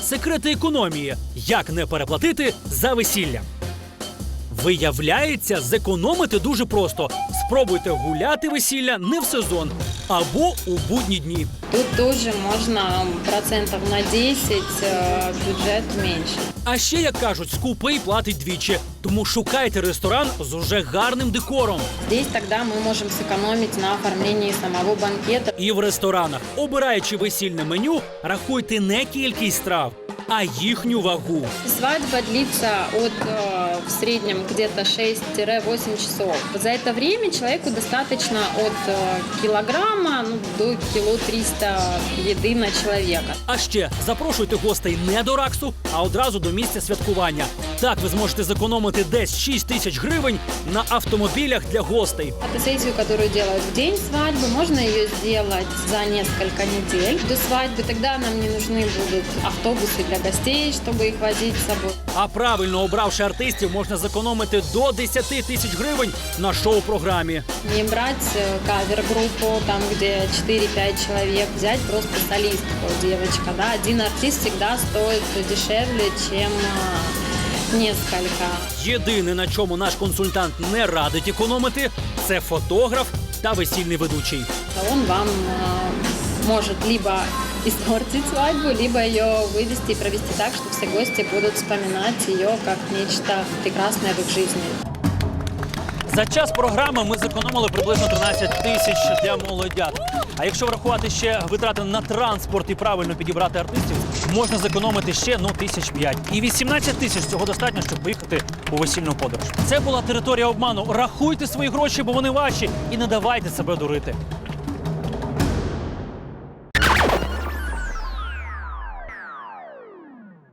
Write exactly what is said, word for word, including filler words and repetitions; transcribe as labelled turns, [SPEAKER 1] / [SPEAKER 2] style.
[SPEAKER 1] Секрети економії. Як не переплатити за весілля. Виявляється, зекономити дуже просто. Спробуйте гуляти весілля не в сезон або у будні дні.
[SPEAKER 2] Тут тоже можно процентов на десять э, бюджет меньше.
[SPEAKER 1] А ще, як кажуть, скупий платить двічі. Тому шукайте ресторан з уже гарним декором.
[SPEAKER 2] Здесь тогда мы можем сэкономить на оформлении самого банкета.
[SPEAKER 1] І в ресторанах, обираючи весільне меню, рахуйте не кількість страв, а їхню вагу.
[SPEAKER 2] Свадьба длится от э, в среднем где-то шесть-восемь часов. За это время человеку достаточно от э, килограмма ну, до кило триста еды на человека.
[SPEAKER 1] А ще запрошуйте гостей не до Раксу, а одразу до місця святкування. Так ви зможете зекономити десь шість тисяч гривень на автомобілях для гостей.
[SPEAKER 2] Фотосессию, которую делают в день свадьбы, можно ее сделать за несколько недель до свадьбы. Тогда нам не нужны будут автобусы для гостей, чтобы их возить с собой.
[SPEAKER 1] А правильно обравши артистів, можна зекономити до десять тисяч гривень на шоу-програмі.
[SPEAKER 2] Не брать э, кавер-группу, там где четыре-пять человек, взять просто солистку, девочка. Да? Один артист всегда стоит дешевле, чем э, несколько.
[SPEAKER 1] Єдине, на чому наш консультант не радить економити, це фотограф та весільний ведучий.
[SPEAKER 2] Он вам э, может либо испортить свадьбу, либо ее вывести и провести так, что все гости будут вспоминать ее как нечто прекрасное в их жизни.
[SPEAKER 1] За час програми ми зекономили приблизно тринадцять тисяч для молодят. А якщо врахувати ще витрати на транспорт і правильно підібрати артистів, можна зекономити ще ну тисяч п'ять. І вісімнадцять тисяч цього достатньо, щоб поїхати у весільну подорож. Це була територія обману. Рахуйте свої гроші, бо вони ваші, і не давайте себе дурити.